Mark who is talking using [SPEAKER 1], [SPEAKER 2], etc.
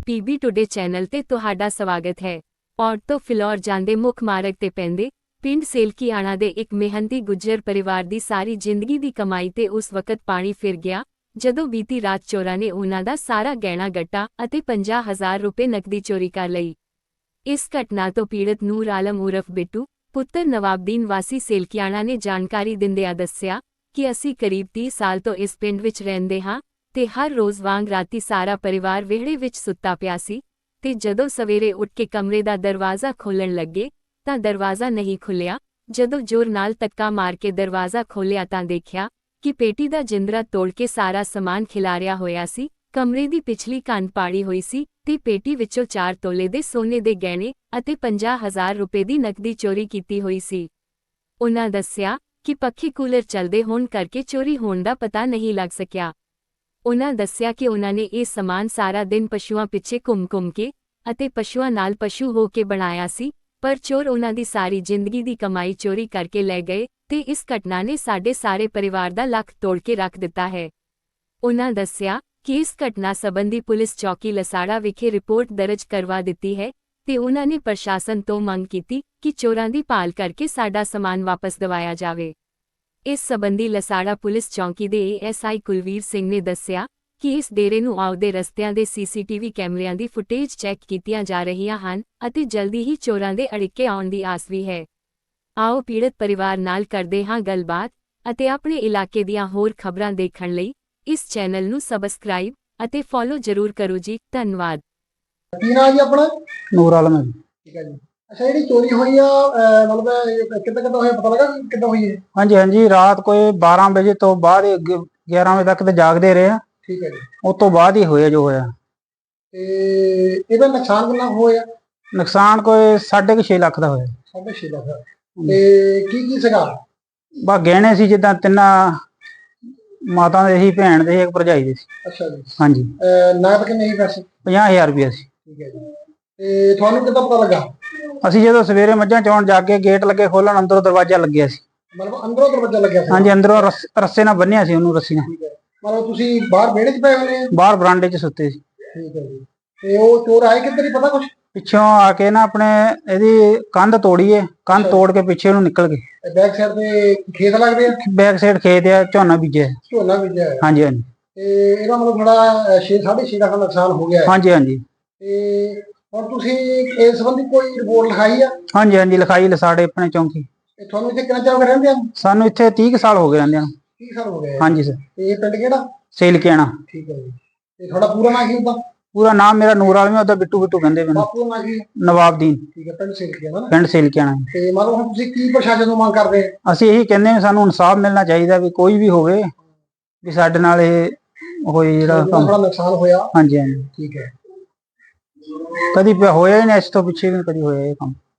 [SPEAKER 1] PB today channel ਤੇ ਤੁਹਾਡਾ ਸਵਾਗਤ ਹੈ। ਔਰ ਤੋਂ ਫਿਲੌਰ ਜਾਂਦੇ ਮੁੱਖ ਮਾਰਗ ਤੇ ਪੈਂਦੇ ਪਿੰਡ ਸੇਲਕੀਆਣਾ ਦੇ ਇੱਕ ਮਿਹਨਤੀ ਗੁੱਜਰ ਪਰਿਵਾਰ ਦੀ ਸਾਰੀ ਜ਼ਿੰਦਗੀ ਦੀ ਕਮਾਈ ਤੇ ਉਸ ਵਕਤ ਪਾਣੀ ਫਿਰ ਗਿਆ ਜਦੋਂ ਬੀਤੀ ਰਾਤ ਚੋਰਾਂ ਨੇ ਉਹਨਾਂ ਦਾ ਸਾਰਾ ਗਹਿਣਾ ਗੱਟਾ ਅਤੇ 50,000 ਰੁਪਏ ਨਕਦੀ ਚੋਰੀ ਕਰ ਲਈ। ਇਸ ਘਟਨਾ ਤੋਂ ਪੀੜਤ ਨੂਰ ਆਲਮ ਉਰਫ ਬਿੱਟੂ ਪੁੱਤਰ ਨਵਾਬਦੀਨ ਵਾਸੀ ਸੇਲਕੀਆਣਾ ਨੇ ਜਾਣਕਾਰੀ ਦਿੰਦਿਆਂ ਦੱਸਿਆ ਕਿ ਅਸੀਂ ਕਰੀਬ 30 ਸਾਲ ਤੋਂ ਇਸ ਪਿੰਡ ਵਿੱਚ ਰਹਿੰਦੇ ਹਾਂ ਤੇ ਹਰ ਰੋਜ਼ ਵਾਂਗ ਰਾਤੀ ਸਾਰਾ ਪਰਿਵਾਰ ਵਿਹੜੇ ਵਿੱਚ ਸੁੱਤਾ ਪਿਆ ਸੀ ਤੇ ਜਦੋਂ ਸਵੇਰੇ ਉੱਠ ਕੇ ਕਮਰੇ ਦਾ ਦਰਵਾਜ਼ਾ ਖੋਲ੍ਹਣ ਲੱਗੇ ਤਾਂ ਦਰਵਾਜ਼ਾ ਨਹੀਂ ਖੁੱਲਿਆ। ਜਦੋਂ ਜ਼ੋਰ ਨਾਲ ਧੱਕਾ ਮਾਰ ਕੇ ਦਰਵਾਜ਼ਾ ਖੋਲ੍ਹਿਆ ਤਾਂ ਦੇਖਿਆ ਕਿ ਪੇਟੀ ਦਾ ਜਿੰਦਰਾ ਤੋੜ ਕੇ ਸਾਰਾ ਸਮਾਨ ਖਿਲਾਰਿਆ ਹੋਇਆ ਸੀ। ਕਮਰੇ ਦੀ ਪਿਛਲੀ ਕੰਧ ਪਾੜੀ ਹੋਈ ਸੀ ਤੇ ਪੇਟੀ ਵਿੱਚੋਂ 4 ਤੋਲੇ ਦੇ ਸੋਨੇ ਦੇ ਗਹਿਣੇ ਅਤੇ 50,000 ਰੁਪਏ ਦੀ ਨਕਦੀ ਚੋਰੀ ਕੀਤੀ ਹੋਈ ਸੀ। ਉਨ੍ਹਾਂ ਦੱਸਿਆ ਕਿ ਪੱਖੇ ਕੂਲਰ ਚੱਲਦੇ ਹੋਣ ਕਰਕੇ ਚੋਰੀ ਹੋਣ ਦਾ ਪਤਾ ਨਹੀਂ ਲੱਗ ਸਕਿਆ। ਉਨ੍ਹਾਂ ਦੱਸਿਆ ਕਿ ਉਨ੍ਹਾਂ ਨੇ ਇਹ ਸਮਾਨ ਸਾਰਾ ਦਿਨ ਪਸ਼ੂਆਂ ਪਿੱਛੇ ਘੁੰਮ ਕੇ ਅਤੇ ਪਸ਼ੂਆਂ ਨਾਲ ਪਸ਼ੂ ਹੋ ਕੇ ਬਣਾਇਆ ਸੀ, ਪਰ ਚੋਰ ਉਨ੍ਹਾਂ ਦੀ ਸਾਰੀ ਜ਼ਿੰਦਗੀ ਦੀ ਕਮਾਈ ਚੋਰੀ ਕਰਕੇ ਲੈ ਗਏ ਤੇ ਇਸ ਘਟਨਾ ਨੇ ਸਾਡੇ ਸਾਰੇ ਪਰਿਵਾਰ ਦਾ ਲੱਕ ਤੋੜ ਕੇ ਰੱਖ ਦਿੱਤਾ ਹੈ। ਉਨ੍ਹਾਂ ਦੱਸਿਆ ਕਿ ਇਸ ਘਟਨਾ ਸੰਬੰਧੀ ਪੁਲਿਸ ਚੌਕੀ ਲਸਾੜਾ ਵਿਖੇ ਰਿਪੋਰਟ ਦਰਜ ਕਰਵਾ ਦਿੱਤੀ ਹੈ ਤੇ ਉਨ੍ਹਾਂ ਨੇ ਪ੍ਰਸ਼ਾਸਨ ਤੋਂ ਮੰਗ ਕੀਤੀ ਕਿ ਚੋਰਾਂ ਦੀ ਭਾਲ ਕਰਕੇ ਸਾਡਾ ਸਮਾਨ ਵਾਪਸ ਦਿਵਾਇਆ ਜਾਵੇ। ਇਸ ਸੰਬੰਧੀ ਲਸਾੜਾ ਪੁਲਿਸ ਚੌਕੀ ਦੇ ਏਐਸਆਈ ਕੁਲਵੀਰ ਸਿੰਘ ਨੇ ਦੱਸਿਆ ਕਿ ਇਸ ਡੇਰੇ ਨੂੰ ਆਉਦੇ ਰਸਤਿਆਂ ਦੇ ਸੀਸੀਟੀਵੀ ਕੈਮਰਿਆਂ ਦੀ ਫੁਟੇਜ ਚੈੱਕ ਕੀਤੀਆਂ ਜਾ ਰਹੀਆਂ ਹਨ ਅਤੇ ਜਲਦੀ ਹੀ ਚੋਰਾਂ ਦੇ ਅੜਿੱਕੇ ਆਉਣ ਦੀ ਆਸ ਵੀ ਹੈ। ਆਓ ਪੀੜਤ ਪਰਿਵਾਰ ਨਾਲ ਕਰਦੇ ਹਾਂ ਗੱਲਬਾਤ ਅਤੇ ਆਪਣੇ ਇਲਾਕੇ ਦੀਆਂ ਹੋਰ ਖਬਰਾਂ ਦੇਖਣ ਲਈ ਇਸ ਚੈਨਲ ਨੂੰ ਸਬਸਕ੍ਰਾਈਬ ਅਤੇ ਫੋਲੋ ਜ਼ਰੂਰ ਕਰੋ ਜੀ। ਧੰਨਵਾਦ।
[SPEAKER 2] ਕੀ ਨਾਮ ਜੀ ਆਪਣਾ?
[SPEAKER 3] ਨੂਰ ਆਲਮ ਹੈ।
[SPEAKER 2] ਠੀਕ ਹੈ ਜੀ। ਅੱਛਾ, ਜਿਹੜੀ ਚੋਰੀ ਹੋਈ ਆ ਮਤਲਬ ਕਿੱਦਾਂ ਹੋਇਆ, ਪਤਾ ਲੱਗਾ ਕਿੱਦਾਂ ਹੋਈ ਹੈ?
[SPEAKER 3] ਹਾਂਜੀ ਹਾਂਜੀ, ਰਾਤ ਕੋਈ 12 ਵਜੇ ਤੋਂ ਬਾਅਦ 11 ਵਜੇ ਤੱਕ ਤੇ ਜਾਗਦੇ ਰਹੇ ਆ।
[SPEAKER 2] ਠੀਕ ਹੈ ਜੀ।
[SPEAKER 3] ਉਸ ਤੋਂ ਬਾਅਦ ਹੀ ਹੋਇਆ ਜੋ ਹੋਇਆ।
[SPEAKER 2] ਤੇ ਇਹਦਾ ਨੁਕਸਾਨ ਕਿੰਨਾ ਹੋਇਆ?
[SPEAKER 3] ਨੁਕਸਾਨ ਕੋਈ 6.5 ਲੱਖ ਦਾ ਹੋਇਆ।
[SPEAKER 2] 6.5 ਲੱਖ। ਤੇ ਕੀ ਸੀਗਾ?
[SPEAKER 3] ਬਸ ਗਹਿਣੇ ਸੀ, ਜਿੱਦਾਂ ਤਿੰਨਾਂ ਮਾਤਾ ਦੇ ਸੀ, ਭੈਣ ਦੇ ਸੀ, ਇੱਕ ਭਰਜਾਈ ਦੇ ਸੀ।
[SPEAKER 2] ਅੱਛਾ ਜੀ।
[SPEAKER 3] ਹਾਂਜੀ।
[SPEAKER 2] ਨਗਦ ਕਿੰਨੇ ਸੀ ਪੈਸੇ?
[SPEAKER 3] 50,000 ਰੁਪਇਆ ਸੀ।
[SPEAKER 2] ਠੀਕ ਹੈ ਜੀ। ਤੇ ਤੁਹਾਨੂੰ ਕਿੱਦਾਂ ਪਤਾ ਲੱਗਾ?
[SPEAKER 3] ਅਸੀਂ ਜਦੋਂ ਸਵੇਰੇ ਮੱਝਾਂ ਚੋਣ ਜਾ ਕੇ ਗੇਟ ਲੱਗੇ ਖੋਲਣ, ਅੰਦਰੋਂ ਦਰਵਾਜ਼ਾ ਲੱਗਿਆ ਸੀ।
[SPEAKER 2] ਮਤਲਬ ਅੰਦਰੋਂ ਦਰਵਾਜ਼ਾ ਲੱਗਿਆ ਸੀ?
[SPEAKER 3] ਹਾਂਜੀ, ਅੰਦਰੋਂ ਰੱਸੇ ਨਾਲ ਬੰਨਿਆ ਸੀ ਉਹਨੂੰ, ਰੱਸੀ ਨਾਲ।
[SPEAKER 2] ਠੀਕ ਹੈ। ਮਤਲਬ ਤੁਸੀਂ ਬਾਹਰ ਵਿਹੜੇ 'ਚ ਪਏ ਹੋਏ?
[SPEAKER 3] ਬਾਹਰ ਬਰਾਂਡੇ 'ਚ ਸੁੱਤੇ ਸੀ।
[SPEAKER 2] ਠੀਕ ਹੈ ਜੀ। ਤੇ ਉਹ ਚੋਰ ਆਏ ਕਿੱਧਰ, ਹੀ ਪਤਾ ਕੁਛ?
[SPEAKER 3] ਪਿੱਛੋਂ ਆ ਕੇ ਨਾ ਆਪਣੇ ਇਹਦੀ ਕੰਧ ਤੋੜੀਏ, ਕੰਧ ਤੋੜ ਕੇ ਪਿੱਛੇ ਉਹਨੂੰ ਨਿਕਲ ਗਏ।
[SPEAKER 2] ਬੈਕ ਸਾਈਡ ਤੇ ਖੇਤ ਲੱਗਦੇ ਆ?
[SPEAKER 3] ਬੈਕ ਸਾਈਡ ਖੇਤ ਆ, ਝੋਨਾ ਬੀਜਿਆ।
[SPEAKER 2] ਝੋਨਾ ਬੀਜਿਆ ਹੈ?
[SPEAKER 3] ਹਾਂਜੀ ਹਾਂਜੀ।
[SPEAKER 2] ਤੇ ਇਹਦਾ ਮਤਲਬ ਥੋੜਾ 6.5 ਲੱਖ ਦਾ ਨੁਕਸਾਨ ਹੋ ਗਿਆ ਹੈ?
[SPEAKER 3] ਹਾਂਜੀ ਹਾਂਜੀ।
[SPEAKER 2] ਤੇ ਹੁਣ ਤੁਸੀਂ ਇਸ ਸੰਬੰਧੀ ਕੋਈ ਰਿਪੋਰਟ ਲਿਖਾਈ ਆ?
[SPEAKER 3] ਹਾਂਜੀ ਹਾਂਜੀ, ਲਿਖਾਈ ਲਸਾੜੇ ਆਪਣੇ ਚੌਂਕੀ।
[SPEAKER 2] ਤੇ ਤੁਹਾਨੂੰ ਇੱਥੇ ਕਿੰਨਾ ਚਿਰ ਹੋ ਗਿਆ ਰਹਿੰਦੇ ਆ?
[SPEAKER 3] ਸਾਨੂੰ ਇੱਥੇ 30 ਕੁ ਸਾਲ ਹੋ ਗਏ ਰਹਿੰਦਿਆਂ ਨੂੰ।
[SPEAKER 2] 30 ਸਾਲ ਹੋ ਗਏ?
[SPEAKER 3] ਹਾਂਜੀ ਸਰ।
[SPEAKER 2] ਤੇ ਇਹ ਪਿੰਡ ਕਿਹੜਾ?
[SPEAKER 3] ਸੇਲਕੀਆਣਾ।
[SPEAKER 2] ਠੀਕ ਹੈ ਜੀ। ਤੇ ਤੁਹਾਡਾ ਪੂਰਾ ਨਾਂ ਕੀ ਹੁੰਦਾ?
[SPEAKER 3] ਪੂਰਾ ਨਾਮ ਮੇਰਾ ਨੂਰ ਆਲਮ ਹੈ, ਉਹਦਾ ਬਿੱਟੂ ਬਿੱਟੂ ਕਹਿੰਦੇ ਮੈਨੂੰ।
[SPEAKER 2] ਬਾਪੂ ਦਾ ਨਾਂ ਕੀ?
[SPEAKER 3] ਨਵਾਬਦੀਨ।
[SPEAKER 2] ਠੀਕ ਹੈ, ਪਿੰਡ ਸੇਲਕੀਆਣਾ ਨਾ?
[SPEAKER 3] ਪਿੰਡ ਸੇਲਕੀਆਣਾ।
[SPEAKER 2] ਤੇ ਮਤਲਬ ਹੁਣ ਤੁਸੀਂ ਕੀ ਪ੍ਰਸ਼ਾਸਨ ਤੋਂ ਮੰਗ ਕਰਦੇ?
[SPEAKER 3] ਅਸੀਂ ਇਹੀ ਕਹਿੰਦੇ ਹਾਂ, ਸਾਨੂੰ ਇਨਸਾਫ ਮਿਲਣਾ ਚਾਹੀਦਾ, ਵੀ ਕੋਈ ਵੀ ਹੋਵੇ ਵੀ ਸਾਡੇ ਨਾਲ ਇਹ ਹੋਏ ਜਿਹੜਾ ਕੰਮ।
[SPEAKER 2] ਥੋੜਾ ਨੁਕਸਾਨ ਹੋਇਆ?
[SPEAKER 3] ਹਾਂਜੀ ਹਾਂਜੀ।
[SPEAKER 2] ਠੀਕ ਹੈ।
[SPEAKER 3] ਕਦੀ ਹੋਇਆ ਹੀ ਨਹੀਂ, ਇਸ ਤੋਂ ਪਿੱਛੇ ਵੀ ਕਦੀ ਹੋਇਆ ਇਹ ਕੰਮ।